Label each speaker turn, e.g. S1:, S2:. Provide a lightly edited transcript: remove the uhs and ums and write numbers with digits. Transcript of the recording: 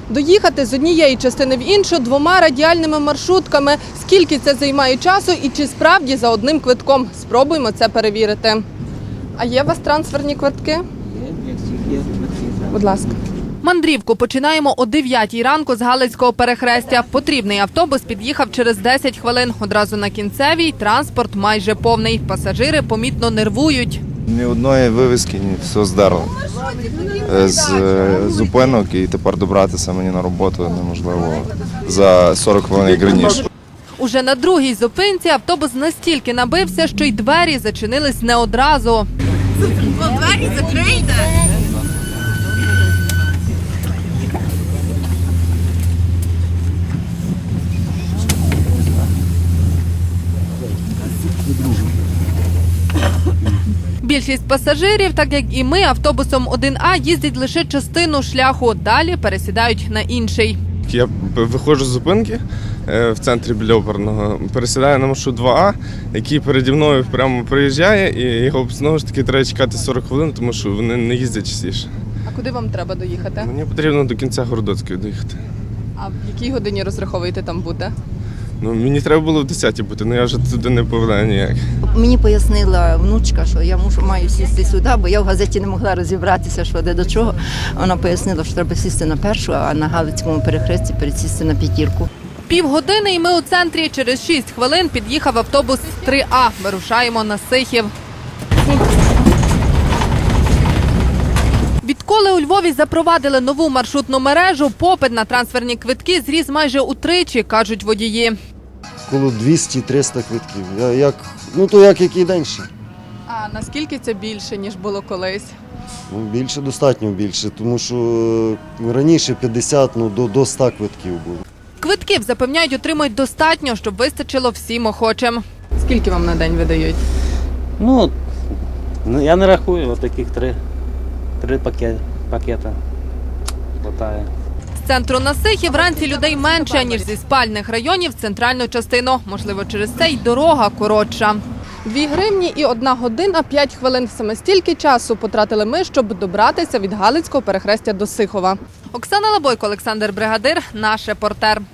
S1: Доїхати з однієї частини в іншу двома радіальними маршрутками. Скільки це займає часу і чи справді за одним квитком? Спробуємо це перевірити. А є у вас трансферні квитки?
S2: Є.
S1: Будь ласка. Мандрівку починаємо о 9 ранку з Галицького перехрестя. Потрібний автобус під'їхав через 10 хвилин. Одразу на кінцевій транспорт майже повний. Пасажири помітно нервують.
S3: Ні одної вивіски, ні, все здерло. З зупинок і тепер добратися мені на роботу неможливо за 40 хвилин, як раніше.
S1: Уже на другій зупинці автобус настільки набився, що й двері зачинились не одразу.
S4: Двері закрийте!
S1: Більшість пасажирів, так як і ми, автобусом 1А їздять лише частину шляху. Далі пересідають на інший.
S5: Я виходжу з зупинки в центрі біля Оперного, пересідаю на маршрут 2А, який переді мною прямо проїжджає, і його знову ж таки треба чекати 40 хвилин, тому що вони не їздять частіше.
S1: А куди вам треба доїхати?
S5: Мені потрібно до кінця Городоцької доїхати.
S1: А в якій годині розраховуєте там бути?
S5: Ну, мені треба було в 10-й бути, але я вже туди не повідаю ніяк.
S2: Мені пояснила внучка, що я маю сісти сюди, бо я в газеті не могла розібратися, що де до чого. Вона пояснила, що треба сісти на першу, а на Галицькому перехресті пересісти на п'ятірку.
S1: Півгодини і ми у центрі. Через 6 хвилин під'їхав автобус 3А. Вирушаємо на Сихів. Відколи у Львові запровадили нову маршрутну мережу, попит на трансферні квитки зріс майже утричі, кажуть водії.
S6: Коло 200-300 квитків. Як який день ще.
S1: А наскільки це більше, ніж було колись?
S6: Більше, достатньо більше, тому що раніше 50, до 100 квитків було.
S1: Квитків, запевняють, отримають достатньо, щоб вистачило всім охочим. Скільки вам на день видають?
S7: Ну, я не рахую, от таких три пакета хватає.
S1: З центру на Сихів вранці людей менше, ніж зі спальних районів в центральну частину. Можливо, через це й дорога коротша. 2 гривні і 1 година 5 хвилин. Саме стільки часу потратили ми, щоб добратися від Галицького перехрестя до Сихова. Оксана Лабойко, Олександр Бригадир, наш репортер.